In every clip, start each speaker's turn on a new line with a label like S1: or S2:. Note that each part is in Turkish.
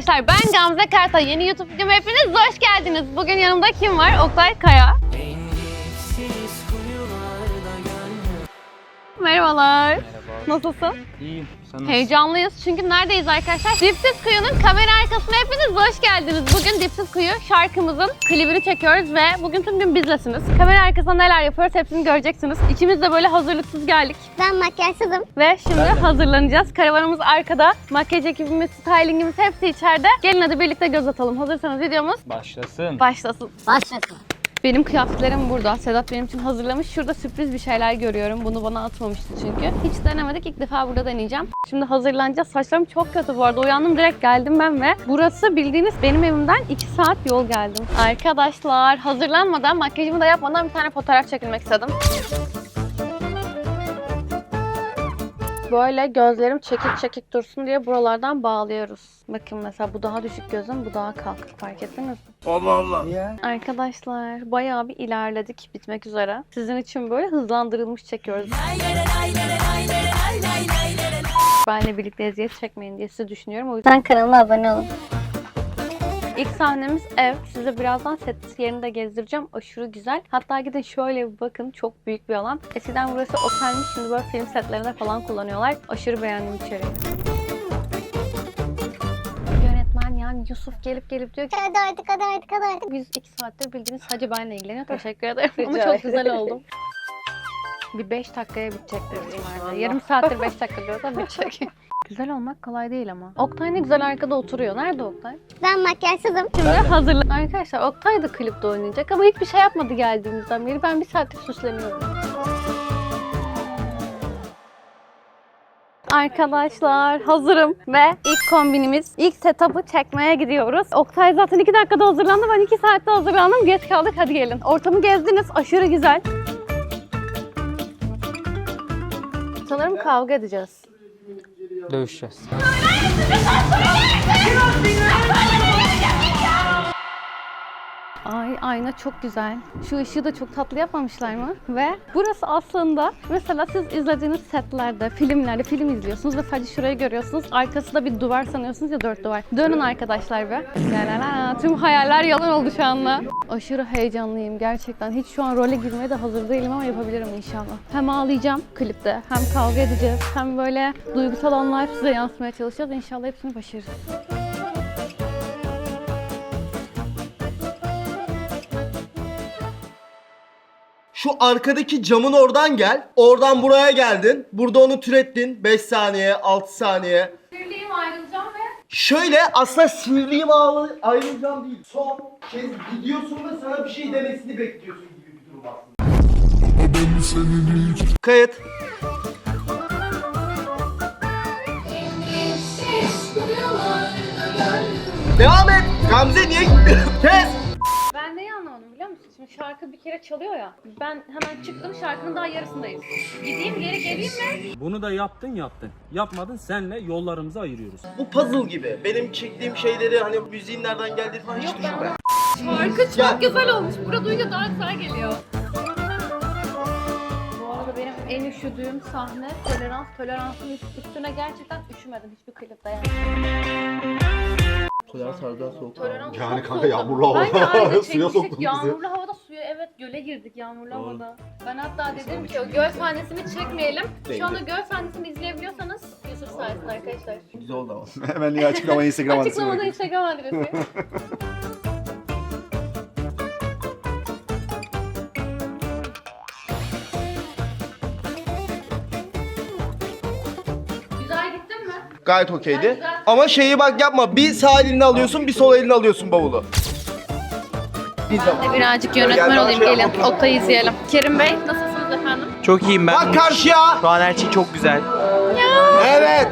S1: arkadaşlar, ben Gamze Kartal. Yeni YouTube videoma hepiniz hoş geldiniz. Bugün yanımda kim var? Oktay Kaya. Merhabalar.
S2: Merhaba.
S1: Nasılsın?
S2: İyiyim. Sen nasılsın?
S1: Heyecanlıyız çünkü neredeyiz arkadaşlar? Dipsiz Kuyu'nun kamera arkasına hepiniz hoş geldiniz. Bugün Dipsiz Kuyu şarkımızın klibini çekiyoruz ve bugün tüm gün bizlesiniz. Kamera arkasında neler yapıyoruz hepsini göreceksiniz. İkimiz de böyle hazırlıksız geldik.
S3: Ben makyajsızım.
S1: Ve şimdi hazırlanacağız. Karavanımız arkada. Makyaj ekibimiz, stylingimiz hepsi içeride. Gelin hadi birlikte göz atalım. Hazırsanız videomuz
S2: Başlasın.
S1: başlasın.
S3: Başlasın.
S1: Benim kıyafetlerim burada. Sedat benim için hazırlamış. Şurada sürpriz bir şeyler görüyorum. Bunu bana atmamıştı çünkü. Hiç denemedik. İlk defa burada deneyeceğim. Şimdi hazırlanacağız. Saçlarım çok kötü bu arada. Uyandım direkt geldim ben ve burası bildiğiniz benim evimden 2 saat yol geldim. Arkadaşlar hazırlanmadan, makyajımı da yapmadan bir tane fotoğraf çekilmek istedim. Böyle gözlerim çekik çekik dursun diye buralardan bağlıyoruz. Bakın mesela bu daha düşük gözüm, bu daha kalkık, fark ettiniz mi?
S2: Allah Allah. Niye?
S1: Arkadaşlar bayağı bir ilerledik, bitmek üzere. Sizin için böyle hızlandırılmış çekiyoruz. Benle birlikte eziyet çekmeyin diye sizi düşünüyorum. O yüzden
S3: Kanalıma abone olun.
S1: ilk sahnemiz ev. Size birazdan set yerini de gezdireceğim. Aşırı güzel. Hatta gidin şöyle bir bakın. Çok büyük bir alan. Eskiden burası otelmiş. Şimdi böyle film setlerinde falan kullanıyorlar. Aşırı beğendim içeriği. Yönetmen yani Yusuf gelip diyor ki
S3: Hadi artık.
S1: biz 2 saattir bildiğiniz sadece benle ilgileniyor. Teşekkür ederim. Ama çok güzel oldum. Bir 5 dakikaya bitecek büyük ihtimalle. Yarım saattir 5 dakika diyorsa bitecek. Güzel olmak kolay değil ama. Oktay ne güzel arkada oturuyor. Nerede Oktay?
S3: Ben makyajsızım.
S1: Şimdi hazırlan. Arkadaşlar Oktay da klipte oynayacak ama hiçbir şey yapmadı geldiğimizden beri. Ben bir saattir süsleniyorum. Arkadaşlar hazırım ve ilk kombinimiz, ilk setup'ı çekmeye gidiyoruz. Oktay zaten 2 dakikada hazırlandı. Ben 2 saatte hazırlandım. Geç kaldık. Hadi gelin. Ortamı gezdiniz. Aşırı güzel. Sanırım kavga edeceğiz.
S2: Dövüşeceğiz.
S1: Ay ayna çok güzel. Şu ışığı da çok tatlı yapmamışlar mı? Ve burası aslında mesela siz izlediğiniz setlerde, filmlerde film izliyorsunuz ve sadece şurayı görüyorsunuz. Arkasında bir duvar sanıyorsunuz ya, 4 duvar. Dönün arkadaşlar be. La. Tüm hayaller yalan oldu şu anda. Aşırı heyecanlıyım gerçekten. Hiç şu an role girmeye de hazır değilim ama yapabilirim inşallah. Hem ağlayacağım klipte, hem kavga edeceğiz, hem böyle duygusal anlar size yansıtmaya çalışacağız. İnşallah hepsini başarırız.
S4: Şu arkadaki camın oradan gel. Oradan buraya geldin. Burada onu türettin. 5 saniye, 6 saniye.
S1: Sinirliyim, ayrılacağım ve
S4: Şöyle aslında sinirliyim ayrılacağım değil. Son kez gidiyorsun ve sana bir şey demesini bekliyorsun gibi bir durum aslında. Kayıt. Devam et. Gamze niye gitmiyorsun? Kes.
S1: ben neyi anlamadım biliyor musun? Şimdi şarkı bir kere çalıyor ya. Ben hemen çıktım, şarkının daha yarısındayız. Gideyim geri geleyim mi?
S5: Bunu da yaptın. Yapmadın, senle yollarımızı ayırıyoruz.
S4: Bu puzzle gibi. Benim çektiğim şeyleri hani müziğin nereden geldiği falan hiç düşünme.
S1: Şarkı çok
S4: Ya.
S1: güzel olmuş. Burada duyunca daha güzel geliyor. Bu arada benim en üşüdüğüm sahne toleransın üstüne gerçekten üşümedim hiçbir klipte yani.
S4: Tolerans harbiden soğuk.
S1: Tolerans
S6: Yani
S1: çok
S6: kanka
S1: soğuk.
S6: yağmurlu havada
S1: Bence aynı
S6: suya
S1: çekmiştik.
S6: soktun bizi.
S1: Yağmurlu havada suya evet göle girdik yağmurlu havada. Ben hatta dedim ki o göl sahnesini çekmeyelim. Şu anda göl sahnesini izleyebiliyorsanız Yusuf sayesinde arkadaşlar.
S4: Güzel oldu ama.
S6: Hemen niye açıklamayı Instagram adresine
S1: Açıklamada
S6: bırakın.
S1: Instagram adresi. Güzel gittin mi?
S4: Gayet okeydi. Ama şeyi bak yapma. Bir sağ elini alıyorsun, bir sol elini alıyorsun bavulu. Bir zaman.
S1: Birazcık yönetmen olayım, gelin. Oktay'ı izleyelim. Kerim Bey, nasılsınız efendim?
S2: Çok iyiyim ben.
S4: Bak karşıya.
S2: Şu an her şey çok güzel.
S4: Evet.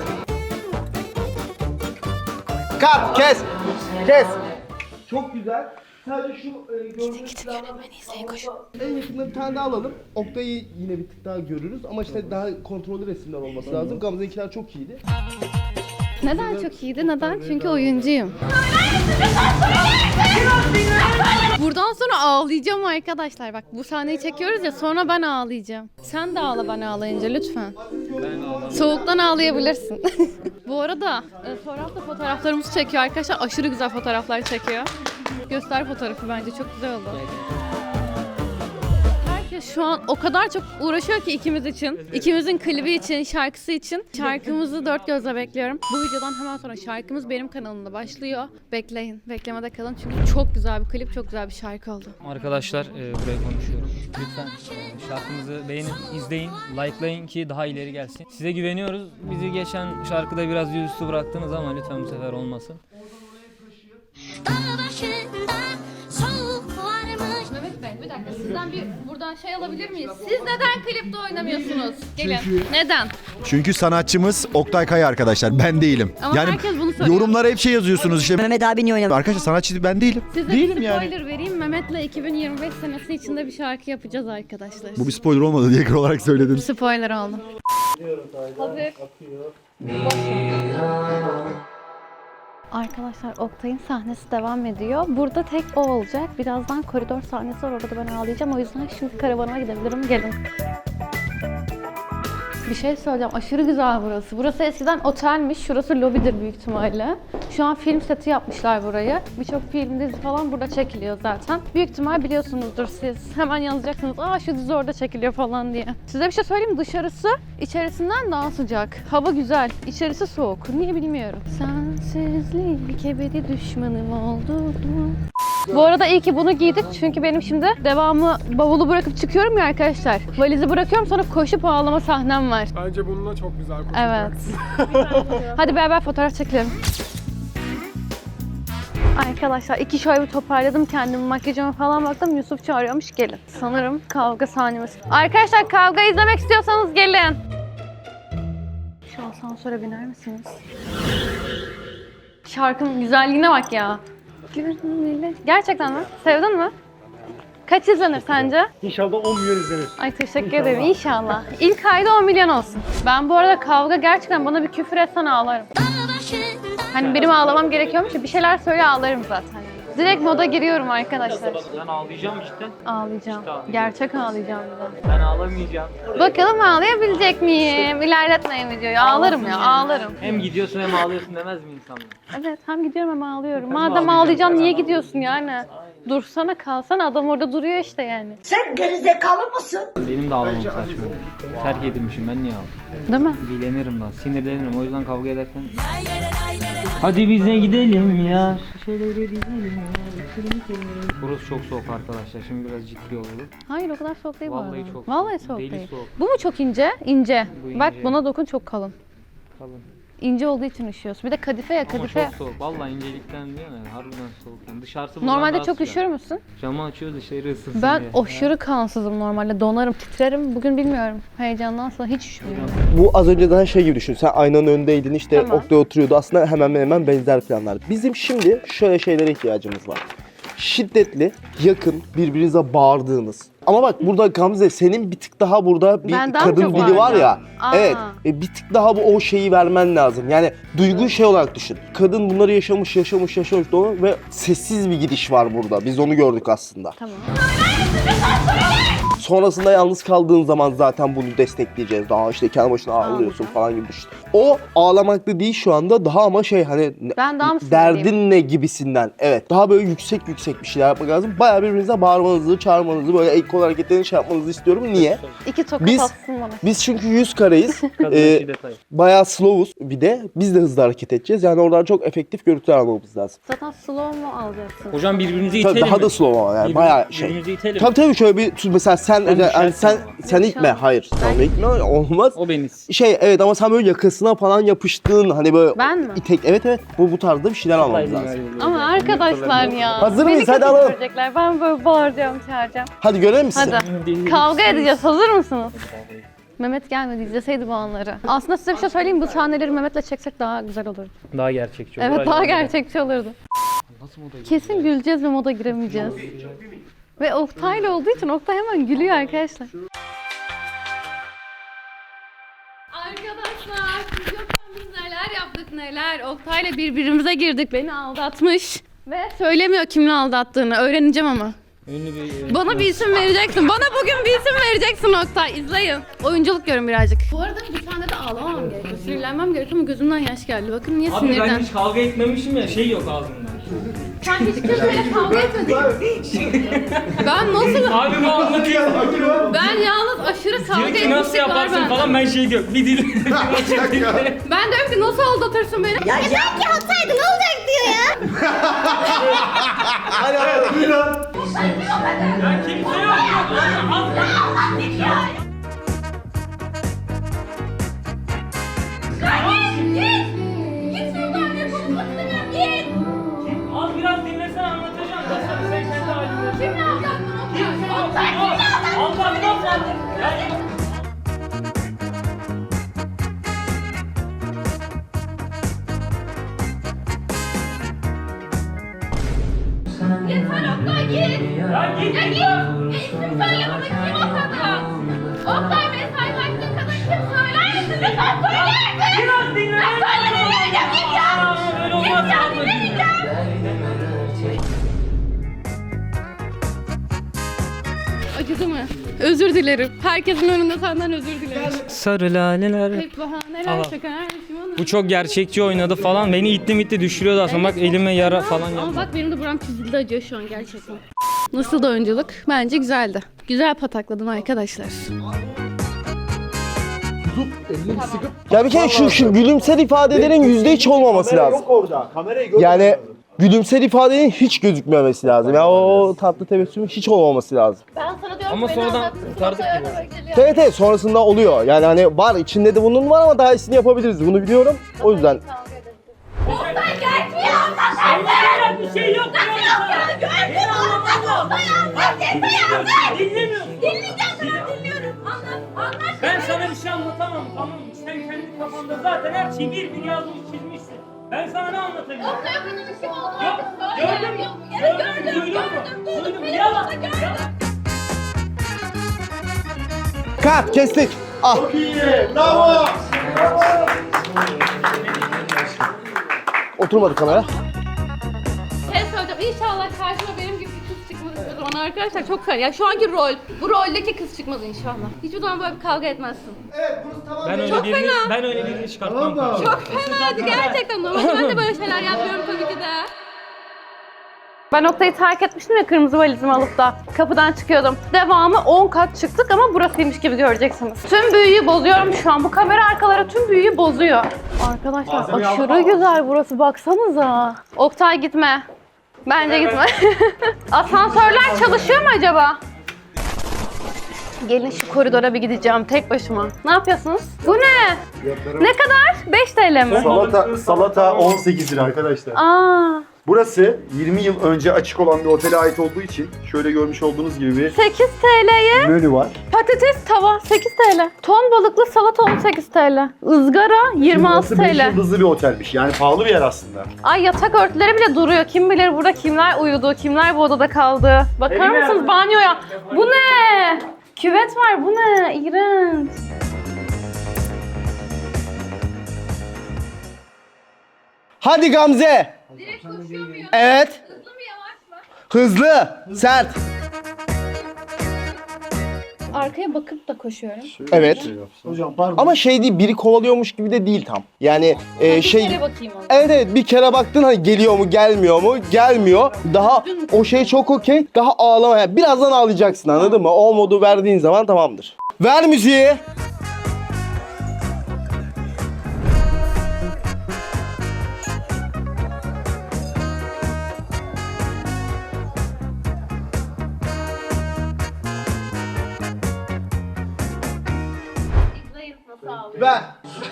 S4: Kat, kes. Kes. Çok güzel. Sadece şu gördüğünüz en yakında bir tane daha alalım. Oktay'ı yine bir tık daha görürüz ama işte daha kontrollü resimler olması lazım. Gamze'ninkiler çok iyiydi.
S1: Neden çok iyiydi? Neden? Çünkü oyuncuyum. Buradan sonra ağlayacağım arkadaşlar. Bak bu sahneyi çekiyoruz ya, sonra ben ağlayacağım. Sen de ağla ben ağlayınca lütfen. Soğuktan ağlayabilirsin. Bu arada Soraf da fotoğraflarımızı çekiyor arkadaşlar. Aşırı güzel fotoğraflar çekiyor. Göster fotoğrafı, bence çok güzel oldu. Herkes şu an o kadar çok uğraşıyor ki ikimiz için. İkimizin klibi için, şarkısı için. Şarkımızı dört gözle bekliyorum. Bu videodan hemen sonra şarkımız benim kanalımda başlıyor. Bekleyin, beklemede kalın çünkü çok güzel bir klip, çok güzel bir şarkı oldu.
S6: Arkadaşlar buraya konuşuyorum. Lütfen şarkımızı beğenin, izleyin, likelayın ki daha ileri gelsin. Size güveniyoruz. Bizi geçen şarkıda biraz yüzüstü bıraktınız ama lütfen bu sefer olmasın.
S1: Mehmet Bey bir dakika, sizden bir buradan şey alabilir miyiz? Siz neden klipte oynamıyorsunuz? Gelin. Neden?
S7: Çünkü sanatçımız Oktay Kaya arkadaşlar. Ben değilim.
S1: Ama herkes bunu söylüyor.
S7: Yorumlara hep şey yazıyorsunuz işte.
S8: Mehmet abi niye oynamıyor?
S7: Arkadaşlar sanatçı ben değilim.
S1: Size
S7: Değilim
S1: bir
S7: yani.
S1: spoiler vereyim. Mehmet'le 2025 senesi içinde bir şarkı yapacağız arkadaşlar.
S7: Bu bir spoiler olmadı diye olarak söyledim.
S1: Spoiler oldu. Hazır. Arkadaşlar Oktay'ın sahnesi devam ediyor. Burada tek o olacak. Birazdan koridor sahnesi var, orada ben ağlayacağım. O yüzden şimdi karavanıma gidebilirim. Gelin. Bir şey söyleyeceğim. Aşırı güzel burası. Burası eskiden otelmiş. Şurası lobidir büyük ihtimalle. Şu an film seti yapmışlar burayı. Birçok film, dizi falan burada çekiliyor zaten. Büyük ihtimal biliyorsunuzdur siz. Hemen yazacaksınız. Aa şu dizi orada çekiliyor falan diye. Size bir şey söyleyeyim mi? Dışarısı içerisinden daha sıcak. Hava güzel. İçerisi soğuk. Niye bilmiyorum. Sensizlik ebedi düşmanım oldu. Bu arada iyi ki bunu giydik çünkü benim şimdi devamı bavulu bırakıp çıkıyorum ya arkadaşlar. Valizi bırakıyorum, sonra koşup ağlama sahnem var.
S9: Bence bununla çok güzel
S1: Evet. Hadi beraber fotoğraf çekelim. Arkadaşlar iki şöyle bir toparladım kendimi, makyajıma falan baktım. Yusuf çağırıyormuş, gelin. Sanırım kavga sahnemiz. Arkadaşlar kavga izlemek istiyorsanız gelin. Şu asansöre biner misiniz? Şarkının güzelliğine bak ya. Gerçekten mi? Sevdin mi? Kaç izlenir sence?
S9: İnşallah 10 milyon izlenir.
S1: Ay teşekkür ederim, inşallah. İlk ayda 10 milyon olsun. Ben bu arada kavga gerçekten, bana bir küfür etsen ağlarım. Hani benim ağlamam gerekiyormuş ya, bir şeyler söyle ağlarım zaten. Direkt moda giriyorum arkadaşlar.
S2: Ben ağlayacağım işte.
S1: Ağlayacağım. Gerçek ağlayacağım bir de.
S2: Ben ağlamayacağım.
S1: Bakalım ağlayabilecek miyim? İlerletmeyin videoyu. Ağlarım ya, ağlarım.
S2: Hem gidiyorsun hem ağlıyorsun demez mi insanlar?
S1: Evet, hem gidiyorum hem ağlıyorum. Madem ağlayacaksın niye gidiyorsun yani? Dursana, kalsana, adam orada duruyor işte yani.
S6: Benim de ağlamam saçma. Terk edilmişim, ben niye ağlayayım?
S1: Değil mi?
S6: Dilenirim lan, sinirlenirim, o yüzden kavga ederken. Hadi bize gidelim ya. Şöyle gidelim ya. Burası çok soğuk arkadaşlar, şimdi biraz ciddi olalım.
S1: Hayır, o kadar soğuk değil bu
S6: Vallahi
S1: arada.
S6: çok
S1: Vallahi
S6: soğuk.
S1: soğuk
S6: Deli
S1: değil.
S6: soğuk.
S1: Bu mu çok ince? İnce.
S6: Bu
S1: Bak
S6: ince.
S1: buna dokun, çok kalın.
S6: Kalın.
S1: İnce olduğu için üşüyorsun. Bir de kadife ya,
S6: Ama
S1: kadife.
S6: çok soğuk. Vallahi incelikten değil mi? Harbiden soğuk. Yani dışarısı bundan
S1: Normalde
S6: daha
S1: çok
S6: sıcak.
S1: üşür müsün?
S6: Camı açıyoruz dışarı ısınsın
S1: Ben
S6: diye.
S1: aşırı kansızım normalde. Donarım, titrerim. Bugün bilmiyorum. Heyecandan sonra hiç üşümüyorum.
S4: Bu az önce daha şey gibi düşün. Sen aynanın önündeydin, işte
S1: Tamam.
S4: Oktay oturuyordu. Aslında hemen benzer planlar. Bizim şimdi şöyle şeylere ihtiyacımız var. Şiddetli, yakın, birbirinize bağırdığınız. Ama bak burada Gamze, senin bir tık daha burada bir
S1: Ben daha
S4: kadın
S1: çok
S4: dili var ya.
S1: bağıracağım. Aa.
S4: Evet. Bir tık daha bu o şeyi vermen lazım. Yani duygu şey olarak düşün. Kadın bunları yaşamış dolu ve sessiz bir gidiş var burada. Biz onu gördük aslında.
S1: Tamam.
S4: Sonrasında yalnız kaldığın zaman zaten bunu destekleyeceğiz. Daha işte kendi başına ağlıyorsun falan gibi düşün. O ağlamaklı değil şu anda, daha ama şey hani
S1: Ben daha mı sinirliyim?
S4: derdin ne gibisinden. Evet. Daha böyle yüksek bir şeyler yapmak lazım. Bayağı birbirinize bağırmanızı, çağırmanızı, böyle el kol hareketlerini şey yapmanızı istiyorum. Niye?
S1: İki tokat
S4: Biz-
S1: atsın bana.
S4: Biz çünkü 100 kareyiz.
S6: Kadın şiddet hayır.
S4: Bayağı slow'uz bir de. Biz de hızlı hareket edeceğiz. Yani oradan çok efektif görüntüler almamız lazım.
S1: Zaten slow mu alacaksın?
S6: Hocam birbirinizi
S4: Tabii
S6: itelim
S4: daha
S6: mi?
S4: da slow ama yani bayağı şey.
S6: Birbirinizi itelim.
S4: Tabii şöyle bir mesela sen
S6: düşersin
S4: sen
S6: ama.
S4: sen itme. Hayır. Sen itme, olmaz.
S6: O beni.
S4: Şey evet, ama sen böyle yakasına falan yapıştığın hani böyle
S1: Ben mi?
S4: evet bu tarzda bir şeyler almamız lazım.
S1: Ama arkadaşlar ya.
S4: Hazır
S1: beni
S4: mıyız? Hadi
S1: kötü
S4: alalım.
S1: görecekler. Ben böyle bağıracağım, çağıracağım.
S4: Hadi görelim mi sizi?
S1: Hadi. Kavga edeceğiz. Hazır mısınız? Mehmet gelmedi, izleseydi bu anları. Aslında size bir şey söyleyeyim, bu sahneleri Mehmet'le çeksek daha güzel olurdu.
S6: Daha gerçekçi olur.
S1: Evet, daha
S6: Acaba-
S1: gerçekçi olurdu.
S6: Nasıl moda
S1: Kesin güleceğiz ve moda giremeyeceğiz. Ve Oktay'la olduğu için Oktay hemen gülüyor arkadaşlar. Arkadaşlar, siz yokken biz neler yaptık? Neler? Oktay'la birbirimize girdik. Beni aldatmış. Ve söylemiyor kimin aldattığını. Öğreneceğim ama.
S6: Ünlü bir...
S1: Bana bir isim vereceksin. Bana bugün bir isim vereceksin Oktay. İzleyin. Oyunculuk görün birazcık. Bu arada bir tane de ağlamam gerekiyor. Sinirlenmem gerekiyor ama gözümden yaş geldi. Bakın niye
S6: Abi
S1: sinirden.
S6: ben hiç kavga etmemişim ya, şey yok ağzımda.
S1: Sen hiç kimseyle kavga etmedin. Ben nasıl...
S6: Abi bu anlatıyor.
S1: Ben yalnız aşırı kavga
S6: Diyor ki nasıl
S1: etmişlik var
S6: yaparsın
S1: bende.
S6: falan, ben şey diyor. Bir dil.
S1: Ben diyorum ki nasıl aldatırsın beni?
S3: Ya belki hatsaydı ne olacak diyor ya.
S4: Hadi buyurun.
S6: Ya kimse yok. Az biraz dinlesene, anlatacağım. Nasıl sen kendi halinde.
S1: Kimle aldattın Oktay?
S6: Allah nasıl?
S1: Yeter Oktay git.
S6: Ya git.
S1: Ya git. İsim söyle bana kim o kadın? Oktay mesajlaştığın kadın kim söyler misin? Lütfen söyler misin?
S6: Biraz dinle.
S1: Ya söyle dinlemeyeceğim git ya.
S6: Öyle olmaz.
S1: Git ya dinlemeyeceğim. Acıdı mı? Özür dilerim. Herkesin önünde senden özür dilerim.
S6: Sarı laleler.
S1: Hep bahaneler
S6: Allah.
S1: şakalar.
S6: Bu çok gerçekçi oynadı falan. Beni itti düşürüyordu aslında. Bak elime yara falan
S1: Ama
S6: yapma.
S1: bak benim de buram çizildi, acıyor şu an gerçekten. Nasıl da oyunculuk? Bence güzeldi. Güzel patakladın arkadaşlar.
S4: Ya bir kere şu gülümser ifadelerin %3 olmaması lazım.
S9: orada. Kamerayı gör.
S4: Yani gülümser ifadenin hiç gözükmemesi lazım. Ya o tatlı tebessümün hiç olmaması lazım.
S1: Ben sana diyorum
S6: Ama
S1: ki
S6: sonradan kurtardık gibi.
S4: Evet sonrasında oluyor. Yani hani var içinde de bunun var ama daha iyisini yapabiliriz. Bunu biliyorum. O yüzden
S6: Bir şey yok. Ben sana bir şey anlatamam, tamam mı? Sen kendi kafanda zaten her şeyi bir yazmış çizmişsin. Ben sana ne anlatayım? Yok, duydum. Yalan.
S4: kat kestik. Ah.
S9: Çok iyi. Bravo.
S4: Oturmadı kamera.
S1: Şey söyleyeceğim, İnşallah karşıma benim gibi bir kız çıkmaz hiçbir zaman arkadaşlar. Çok fena. Ya şu anki rol, bu roldeki kız çıkmaz inşallah. Hiçbir zaman böyle bir kavga etmezsin.
S6: Ben öyle birini çıkartmam.
S1: Çok fenaydı gerçekten. Normalde ben de böyle şeyler yapıyorum tabii ki de. Ben Oktay'ı terk etmiştim ya kırmızı valizimi alıp da kapıdan çıkıyordum. Devamı 10 kat çıktık ama burasıymış gibi göreceksiniz. Tüm büyüyü bozuyorum şu an. Bu kamera arkaları tüm büyüyü bozuyor. Arkadaşlar aşırı güzel burası, baksanıza. Oktay gitme. Bence gitme. Asansörler çalışıyor mu acaba? Gelin şu koridora bir gideceğim tek başıma. Ne yapıyorsunuz? Bu ne? Ne kadar? 5 TL mi?
S9: Salata 18 lira arkadaşlar.
S1: Aa,
S9: Burası 20 yıl önce açık olan bir otele ait olduğu için şöyle görmüş olduğunuz gibi bir
S1: 8 TL'ye
S9: menü var.
S1: patates tava 8 TL. Ton balıklı salata 18 TL. Izgara 26
S9: Burası 5
S1: TL.
S9: yıldızlı bir otelmiş. Yani pahalı bir yer aslında.
S1: Ay yatak örtüleri bile duruyor. Kim bilir burada kimler uyudu, kimler bu odada kaldı. Bakar mısınız banyoya? Bu ne? Küvet var, bu ne? İğrenç.
S4: Hadi Gamze.
S1: Direkt koşuyor muyum?
S4: Evet.
S1: Hızlı mı yavaş mı?
S4: Hızlı. Sert.
S1: Arkaya bakıp da koşuyorum.
S4: Evet.
S9: Hocam pardon.
S4: Ama şey değil, biri kovalıyormuş gibi de değil tam. Yani
S1: Bir
S4: şey...
S1: kere bakayım ona.
S4: Evet bir kere baktın hani geliyor mu gelmiyor mu? Gelmiyor. Daha o şey çok okey. Daha ağlama. Yani birazdan ağlayacaksın, anladın mı? O modu verdiğin zaman tamamdır. Ver müziği.
S1: İzleyin nasıl ağlıyor.
S4: Ver.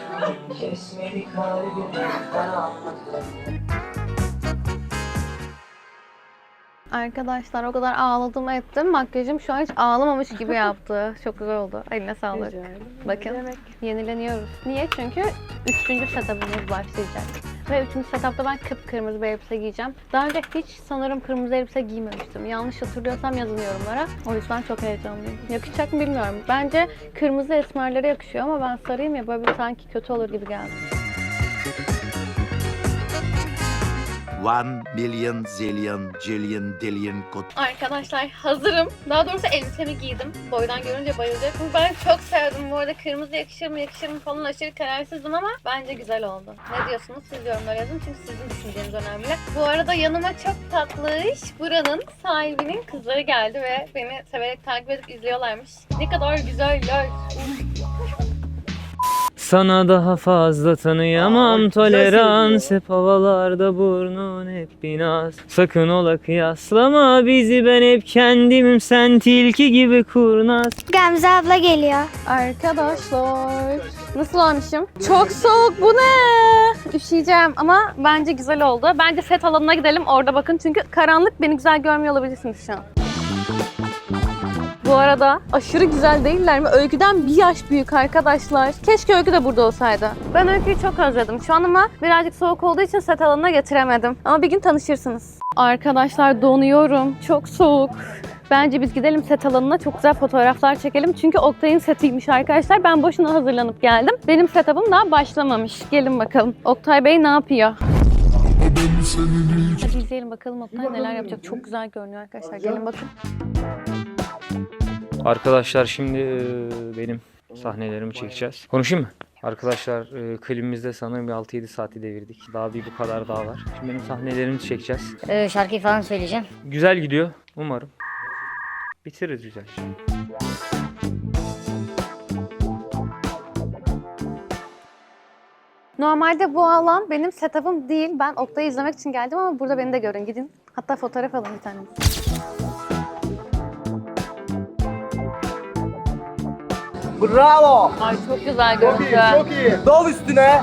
S1: Arkadaşlar o kadar ağladım ettim. Makyajım şu an hiç ağlamamış gibi yaptı. Çok güzel oldu. Eline sağlık. Bakın yenileniyoruz. Niye? Çünkü 3. setup'ımız başlayacak. Ve 3. setup'ta ben kıpkırmızı bir elbise giyeceğim. Daha önce hiç sanırım kırmızı elbise giymemiştim. Yanlış hatırlıyorsam yazın yorumlara. O yüzden çok heyecanlıyım. Yakışacak mı bilmiyorum. Bence kırmızı esmerlere yakışıyor ama ben sarıyım ya, böyle bir sanki kötü olur gibi geldi.
S8: 1 million zillion jillion dillion
S1: Arkadaşlar hazırım. Daha doğrusu elbisemi giydim. Boydan görünce bayılacaksın. Ben çok sevdim. Bu arada kırmızı yakışır mı yakışır mı falan aşırı kararsızdım ama bence güzel oldu. Ne diyorsunuz? Siz yorumlara yazın çünkü sizin düşünceniz önemli. Bu arada yanıma çok tatlış buranın sahibinin kızları geldi ve beni severek takip edip izliyorlarmış. Ne kadar güzeller.
S6: Sana daha fazla tanıyamam, tolerans hep havalarda, burnun hep bir naz. Sakın ola kıyaslama bizi, ben hep kendimim, sen tilki gibi kurnaz.
S3: Gamze abla geliyor.
S1: Arkadaşlar nasıl olmuşum? Çok soğuk, bu ne? Üşüyeceğim ama bence güzel oldu. Bence set alanına gidelim, orada bakın çünkü karanlık, beni güzel görmüyor olabilirsiniz şu an. Bu arada aşırı güzel değiller mi? Öyküden bir yaş büyük arkadaşlar. Keşke Öykü de burada olsaydı. Ben Öykü'yü çok özledim şu an ama birazcık soğuk olduğu için set alanına getiremedim. Ama bir gün tanışırsınız. Arkadaşlar donuyorum. Çok soğuk. Bence biz gidelim set alanına, çok güzel fotoğraflar çekelim. Çünkü Oktay'ın setiymiş arkadaşlar. Ben boşuna hazırlanıp geldim. Benim setup'ım daha başlamamış. Gelin bakalım. Oktay Bey ne yapıyor? Hadi izleyelim bakalım Oktay neler yapacak. Çok güzel görünüyor arkadaşlar. Gelin bakın.
S6: Arkadaşlar şimdi benim sahnelerimi çekeceğiz. Konuşayım mı? Arkadaşlar klibimizde sanırım bir 6-7 saati devirdik. Daha bir bu kadar daha var. Şimdi benim sahnelerimi çekeceğiz.
S3: Şarkıyı falan söyleyeceğim.
S6: Güzel gidiyor umarım. Bitiririz güzel.
S1: Normalde bu alan benim setup'ım değil. Ben Oktay'ı izlemek için geldim ama burada beni de görün. Gidin. Hatta fotoğraf alın bir tane.
S4: Bravo.
S1: Ay çok güzel görüntü.
S4: Çok iyi. Dal üstüne.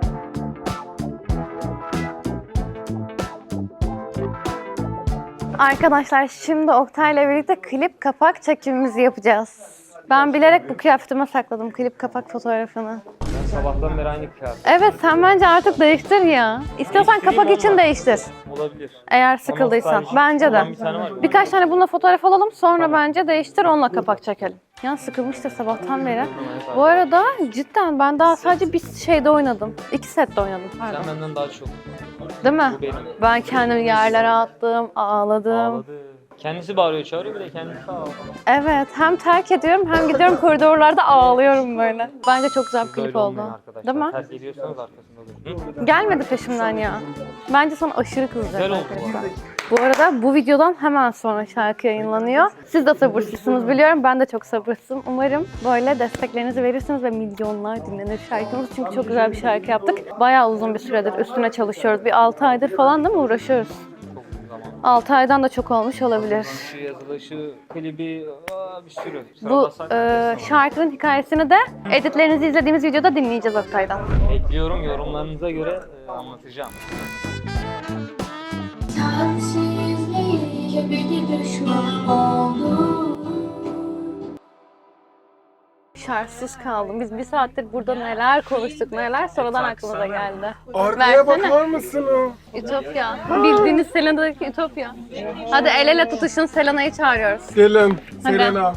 S1: Arkadaşlar şimdi Oktay'la birlikte klip kapak çekimimizi yapacağız. Ben bilerek bu kıyafetime sakladım klip kapak fotoğrafını.
S6: Sabahtan beri aynı kıyafet.
S1: Evet sen bence artık değiştir ya. İstiyorsan kapak için değiştir.
S6: Olabilir.
S1: Eğer sıkıldıysan.
S6: stylish
S1: Bence de.
S6: olan bir tane var.
S1: Birkaç tane bununla fotoğraf alalım sonra bence değiştir onunla kapak çekelim. Ya sıkılmıştır sabahtan beri. Bu arada cidden ben daha sadece bir şeyde oynadım. 2 sette oynadım. Pardon.
S6: Sen benden daha çok.
S1: Değil mi?
S6: Bu benim.
S1: Ben kendimi yerlere attım, ağladım.
S6: Ağladı. Kendisi bağırıyor, çağırıyor, bir de kendisi ağlıyor.
S1: Evet, hem terk ediyorum hem gidiyorum koridorlarda ağlıyorum böyle. Bence çok güzel bir klip
S6: Böyle olmayın
S1: oldu.
S6: arkadaşlar.
S1: Değil mi?
S6: Terk ediyorsanız arkasında durun.
S1: Gelmedi peşimden ya. Bence sana aşırı kızacak
S6: Güzel oldu.
S1: arkadaşlar. Bu arada bu videodan hemen sonra şarkı yayınlanıyor. Siz de sabırsızsınız biliyorum. Ben de çok sabırsızım. Umarım böyle desteklerinizi verirsiniz ve milyonlar dinlenir şarkımız. Çünkü çok güzel bir şarkı yaptık. Bayağı uzun bir süredir üstüne çalışıyoruz. Bir 6 aydır falan da mı uğraşıyoruz? 6 aydan da çok olmuş olabilir.
S6: Şu yazılışı, klibi, bir sürü.
S1: Bu şarkının hikayesini de editlerinizi izlediğimiz videoda dinleyeceğiz Oktay'dan.
S6: Bekliyorum, yorumlarınıza göre anlatacağım.
S3: Sensizliğe beni düşman oldu.
S1: Şartsız kaldım. Biz bir saattir burada neler konuştuk, neler sonradan aklımıza geldi.
S9: Arkaya
S1: Versene.
S9: bakar mısın?
S1: Ütopya. Bildiğiniz Selena'daki Ütopya. Hadi el ele tutuşun, Selena'yı çağırıyoruz.
S9: Gelin.
S1: Hadi.
S9: Selena.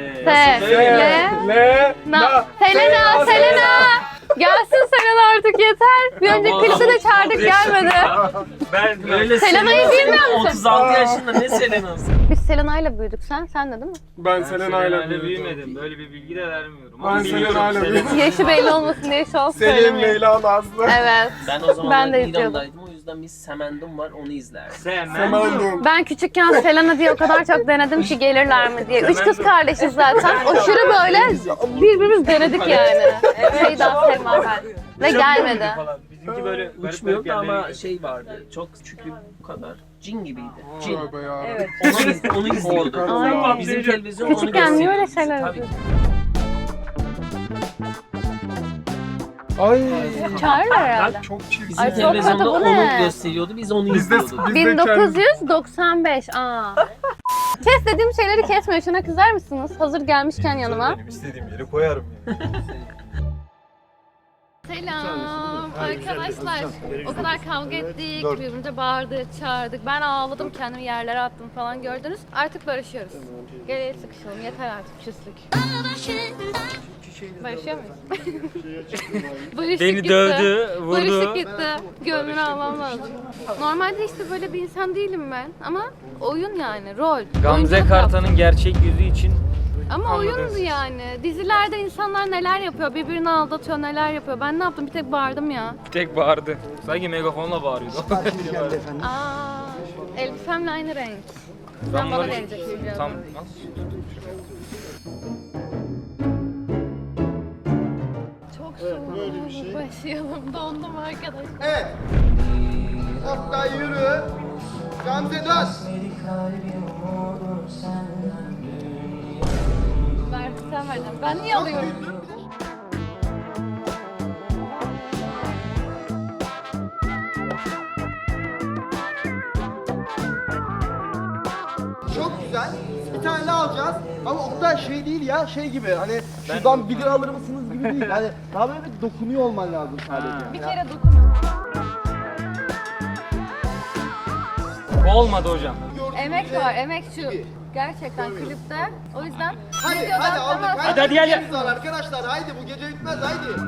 S1: Selena, Selena! Gelsin Selena artık yeter. Bir önceki klipte de çağırdık gelmedi.
S2: Ben öyle
S1: Selena'yı bilmiyor musun?
S2: 36 yaşında ne Selena'sı?
S1: Biz Selena'yla büyüdük. Sen de değil mi?
S9: Ben Selena'yla
S6: Selena'yla
S9: büyüdüm.
S6: büyümedim. Böyle bir bilgi de vermiyorum.
S9: Ben
S6: Ama biliyorum
S9: Selena'yla büyüdüm.
S1: Yaşı belli olmasın diye şu an
S9: Selin,
S1: söylemiyorum.
S9: Leyla, Nazlı.
S1: Evet.
S2: Ben o zaman
S1: Ben de izliyordum.
S2: İran'daydım, o yüzden bir Semendum var, onu izlerdim.
S9: Semendum.
S1: Ben küçükken Selena diye o kadar çok denedim ki gelirler mi diye. 3 kız kardeşiz zaten. Aşırı böyle birbirimiz denedik yani. Şeyda, Selma ben. Ve gelmedi.
S6: Bizimki böyle
S2: Uçmuyordu ama şey vardı, çok küçüktü bu kadar. Cin gibiydi. Cin.
S9: Tövbe ya.
S2: Evet. Onu izliyorduk.
S1: Ay.
S2: Bizim televizyon onu
S1: Küçükken niye öyle
S2: gösteriyordu.
S1: şeyler
S2: Tabii.
S9: Ay.
S1: Çağırırlar herhalde.
S9: Çok çirkin.
S2: Bizim
S1: Ay, çok
S2: televizyonda
S1: kötü, bu
S2: onu
S1: ne?
S2: gösteriyordu, biz onu
S9: Biz de
S2: izliyorduk.
S1: 1995. Kes dediğim şeyleri kesmiyor. Şuna kızar mısınız? Hazır gelmişken yanıma.
S7: İstediğim yere koyarım yani.
S1: Selam arkadaşlar. O kadar kavga ettik, birbirimize bağırdık, çağırdık. Ben ağladım, kendimi yerlere attım falan gördünüz. Artık barışıyoruz. Gel el sıkışalım, yeter artık küslük. Barışıyor muyuz? Barışık
S6: Beni
S1: gitti.
S6: dövdü, vurdu.
S1: Barışık gitti. Gönlünü almam lazım. Normalde işte böyle bir insan değilim ben. Ama oyun yani, rol.
S6: Gamze
S1: Oyunculuk
S6: Kartan'ın
S1: yaptım.
S6: gerçek yüzü için
S1: Ama
S6: Anladınız.
S1: oyundu yani. Dizilerde insanlar neler yapıyor, birbirini aldatıyor, neler yapıyor. Ben ne yaptım? Bir tek bağırdım ya.
S6: tek bağırdı. Sanki megafonla bağırıyordu.
S1: Aa, elbisemle aynı renk. Sen bana
S6: bunları-
S1: vereceksin biraz.
S6: Tam
S1: Çok soğuk. Başlayalım. Dondum arkadaş.
S4: Evet. Oktay yürü. Gamze dön.
S1: Ver, sen verdin. Ben niye alıyorum?
S4: Çok güzel. Bir tane daha alacağız. Ama Oktay şey değil ya, şey gibi hani şuradan 1 lira alır mısınız gibi değil. Yani daha böyle bir dokunuyor olman lazım sadece.
S1: Bir kere dokun.
S6: olmadı hocam.
S1: Emek var, emek şu. Gerçekten klipte. O yüzden
S4: Hadi
S1: videodan
S4: hadi aldık.
S1: hemen-
S6: Hadi, gel, gel.
S4: Var arkadaşlar haydi bu gece bitmez haydi.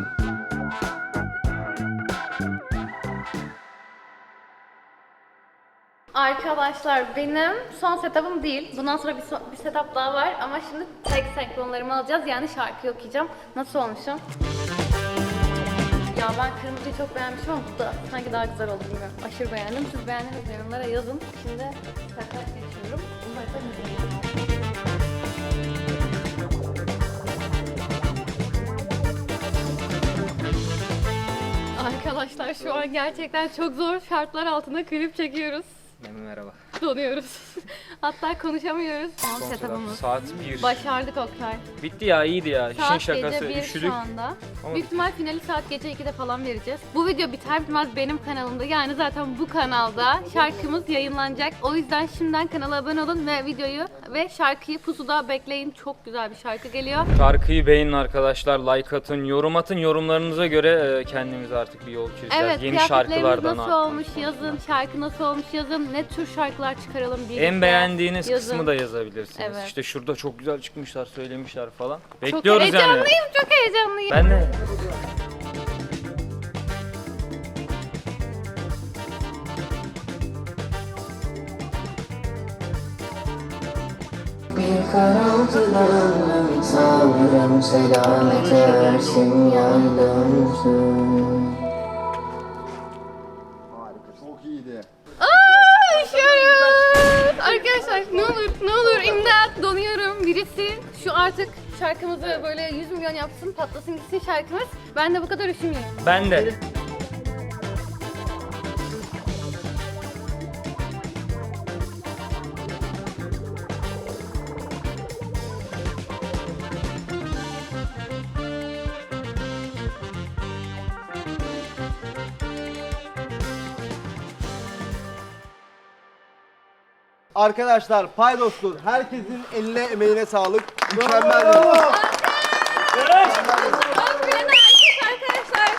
S1: Arkadaşlar benim son setup'ım değil. Bundan sonra bir setup daha var ama şimdi tek senkronlarımı alacağız. Yani şarkıyı okuyacağım. Nasıl olmuşum? Ya ben kırmızıyı çok beğenmişim ama bu da sanki daha güzel oldu bilmiyorum. Aşırı beğendim. Siz beğendiniz mi? Yorumlara yazın. Şimdi setup geçiyorum. Umarım güzel. Arkadaşlar şu an gerçekten çok zor şartlar altında klip çekiyoruz.
S6: Merhaba.
S1: Donuyoruz. Hatta konuşamıyoruz. Son setup'ımız.
S6: Saat 1.
S1: Başardık Oktay.
S6: Bitti ya, iyiydi ya. İşin
S1: Saat
S6: şakası.
S1: gece 1
S6: Üşüdük.
S1: şu anda.
S6: Ama-
S1: Büyük ihtimal finali saat gece 2'de falan vereceğiz. Bu video biter bitmez benim kanalımda, yani zaten bu kanalda şarkımız yayınlanacak. O yüzden şimdiden kanala abone olun ve videoyu ve şarkıyı pusuda bekleyin. Çok güzel bir şarkı geliyor.
S6: Şarkıyı beğenin arkadaşlar, like atın, yorum atın. Yorumlarınıza göre kendimize artık bir yol çizeceğiz.
S1: Evet,
S6: Yeni
S1: kıyafetlerimiz
S6: şarkılardan
S1: nasıl
S6: artık.
S1: olmuş yazın, şarkı nasıl olmuş yazın, ne tür şarkılar çıkaralım birlikte
S6: En beğendiğiniz
S1: yazın.
S6: kısmı da yazabilirsiniz.
S1: Evet.
S6: İşte şurada çok güzel çıkmışlar, söylemişler falan.
S1: Çok
S6: Bekliyoruz yani.
S1: heyecanlıyım, çok heyecanlıyım.
S6: Ben de.
S10: Bir karaltıdan sanırım selamet ersin yardımsın.
S9: Çok iyiydi.
S1: Üşüyoruz. Arkadaşlar ne olur imdat, donuyorum. Birisi şu artık şarkımızı böyle 100 milyon yapsın, patlasın gitsin şarkımız. Ben de bu kadar üşümeyeyim.
S6: Ben de.
S4: Arkadaşlar paydostur. Herkesin eline emeğine sağlık. Mükemmel.
S1: Arkadaşlar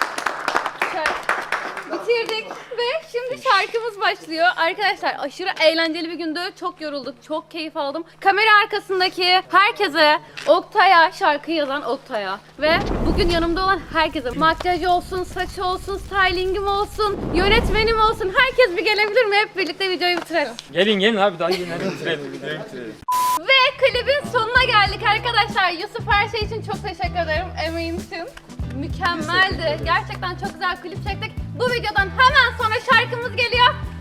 S1: bitirdik ve şimdi şarkımız başlıyor. Arkadaşlar aşırı eğlenceli bir gündü. Çok yorulduk, çok keyif aldım. Kamera arkasındaki herkese, Oktay'a, şarkıyı yazan Oktay'a ve bugün yanımda olan herkese, makyajı olsun, saçı olsun, stylingim olsun, yönetmenim olsun, herkes bir gelebilir mi? Hep birlikte videoyu bitirelim.
S6: Gelin abi, daha gelin, hadi bitirelim, videoyu bitirelim.
S1: Ve klibin sonuna geldik arkadaşlar. Yusuf her şey için çok teşekkür ederim. Emeğin için. Mükemmeldi. Gerçekten çok güzel klip çektik. Bu videodan hemen sonra şarkımız geliyor.